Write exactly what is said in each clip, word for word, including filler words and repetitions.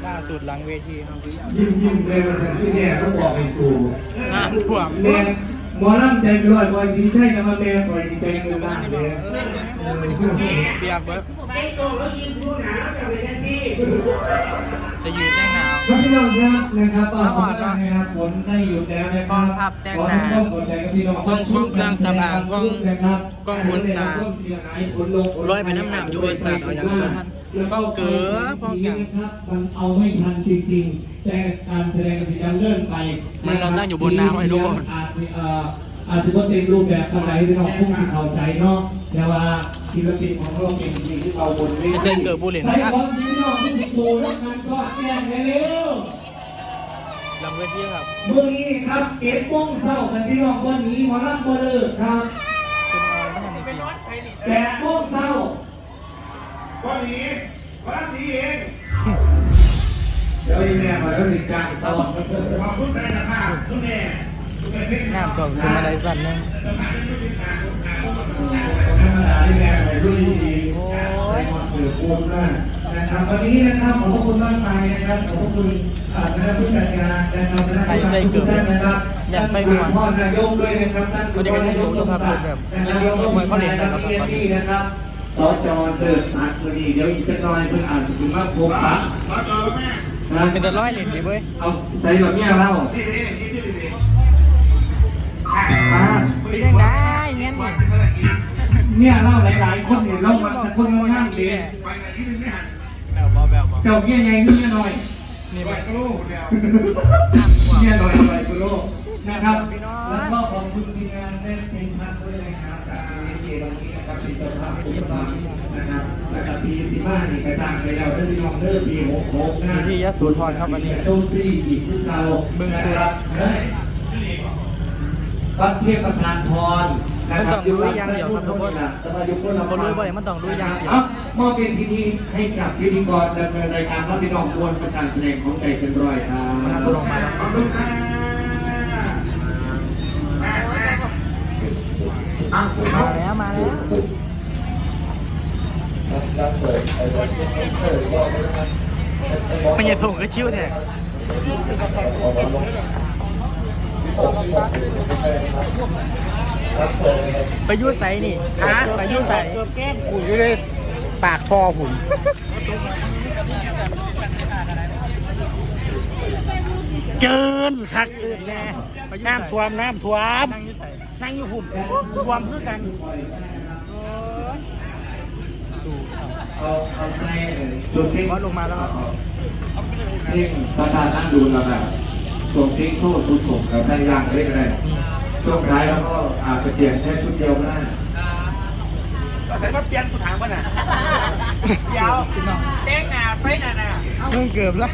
ล่าสุดหลังเวทีครับยิ้มยิ้มเลยมาสั่งที่เนี่ยต้องบอกไปสู่น้ำท่วมแม่หมอลำใจร้อยบอยสีใช่นะมาแม่คอยดีใจเงินล้านเลยเปียกเบิร์ดไอ้โตแล้วยืนดูหนาวกับเป็นยังซี่จะยืนได้หนาวครับพี่น้องครับนะครับก็ขอบคุณนะครับฝนได้หยุดแล้วนะครับขอทุกท่านขอใจกับพี่น้องนะครับร้อยไปน้ำหนักอยู่บนศาสตร์เอาอย่างนั้นท่านป้องเก๋อป้องแก่นะครับมันเอาไม่ทันจริงๆแต่การแสดงสินค้าเลื่อนไปมันเรานั่งอยู่บนน้ำให้ทุกคนอาจจะเอ่ออาจจะว่าเต็มรูปแบบอะไรที่เราพุ่งสิเข้าใจเนาะแต่ว่าศิลปินของเราเป็นจริงที่เราบนไม่ใช่เกิดบุหรี่ใช่ของศิลปินที่สูงและการสอดแก้งเร็วหลังเวทีครับเมื่อนี้ครับเก็บโมงเศร้ากันพี่น้องวันนี้หมอลำบอลเลอร์ครับเป็นอะไรไม่ทันจริงแปดโมงเศร้าวันนี้วันนี้เองเดี๋ยวอีแม่มาแล้วสิจ้างต่อขอบคุณใจนะครับคุณแม่คุณแม่เพ่งน้ำท่วมขึ้นมาได้สั่นนึงธรรมดาที่แม่ไปรุ่นดีใส่ความเดือดร้อนมากนะครับวันนี้นะครับขอบคุณมากมายนะครับขอบคุณคณะผู้จัดงานนะครับคณะผู้จัดทุกท่านนะครับท่านพ่อนายกด้วยนะครับท่านพ่อนายกสมศักดิ์นะครับแล้วก็ผู้ชายนักเรียนนี่นะครับสจเดินสัตว์คนนี้เดี๋ยวอีกจะน้อยเพิ่งอ่านสกุลมากโพกปะสจแม่นะเป็นแต่ร้อยเหรียญดีเว้ยเอาใจแบบเนี้ยเล่านี่นี่นี่นี่นี่มาเป็นยังไงเงี้ยนี่เนี่ยเล่าหลายๆคนเนี่ยเล่ามาแต่คนง่ายๆเลยไปไหนที่นึงไม่หันแบบบอแบบบอเจ้าเงี้ยไงเงี้ยหน่อยนี่ไปแบบกระโลกเดียวเงี้ยหน่อยหน่อยกุโลนะครับ แล้วก็ขอบคุณทีมงานได้เป็นพักด้วยนะครับจากเอเจวันนี้นะครับเป็นเจ้าภาพผู้รับนะครับแล้วก็ปีสิบห้านี่กระจางไปแล้วเรื่องน้องเรื่องปีหกหกนะที่ยะโสธรครับวันนี้โจมตีอีกที่เรานะครับวัดเทพประธานพรนะครับอยู่วัดไส้พุ่นทุกคนนะแต่ว่าอยู่คนละคนรู้บ่อยมันต้องรู้อย่างเดียวเอ้ามอบเป็นที่นี้ให้กับพิธีกรดำเนินรายการรับพี่น้องมวลประการแสดงของใจเป็นร้อยครับมันทำลงมาแล้วขอบคุณค่ะแม่แม่อ้าวมาแล้วมาแล้วมันยังถูกก็ชิวแท้ไปยุ่ใส่นี่ฮะไปยุ่ใส่แก้มขุ่นอยู่เลยปากคอหุ่นเกินคักเกินแน่น้ำท่วมน้ำท่วมนั่งอยู่หุ่นท่วมคือกันเอาเอาใส่ส่วนเพลงบอสลงมาแล้วครับเพลงประธานนั่งดูแล้วแบบส่วนเพลงโชว์สุดส่งกับใส่ยางได้ก็ได้ช่วงท้ายแล้วก็อาจจะเปลี่ยนแค่ชุดเดียวก็ได้ใส่มาเปลี่ยนกูถามว่าน่ะยาวเด็กหนาไปหนาหนาเพิ่งเกือบแล้ว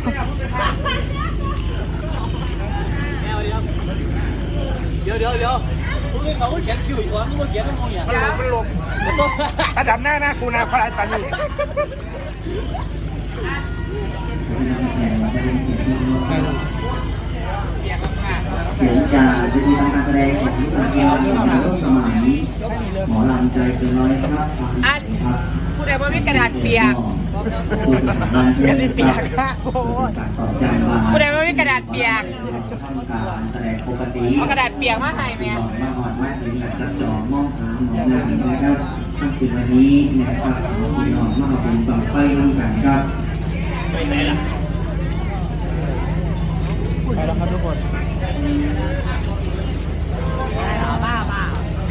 เดี๋ยวเดี๋ยวเดี๋ยวพวกนี้เขาเขียนคิวอยู่วะนี่มาเขียนอะไรเนี่ยมันลงมันลงระดับหน้าหน้ากูนะพลายปานีเสียงจากวิธีทำการแสดงของลูกเรือในร่วมสมัยหมอลำใจเกินร้อยครับครับผู้ใดว่ามีกระดาษเปียกสู่สถาบันกระดิเปียกค่ะโอ้ยการตอบย้ำว่าผู้ใดว่ามีกระดาษเปียกทำการแสดงปกติเอากระดาษเปียกมาให้แม่หลอดมาหอดมาถึงหลังจากจอมองหาหมองานนะครับทั้งคืนวันนี้นะครับพี่น้องมาขอบคุณต่อไปน้ำกันครับไปแล้วครับทุกคนบ้าบ้า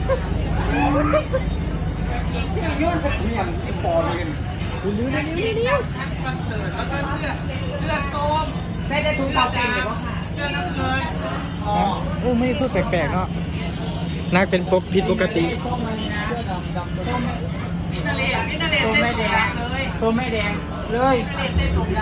ใช้ได้ทุกเสาเป็นหรือว่าค่ะเสื้อน้ำเงินโอ้ไม่พูดแปลกๆเนาะนักเป็นปกผิดปกติมินาเลมินาเลตัวเต้นไม่สแดงงเลยตัวไม่แดงเลยมินาเลเต้นสง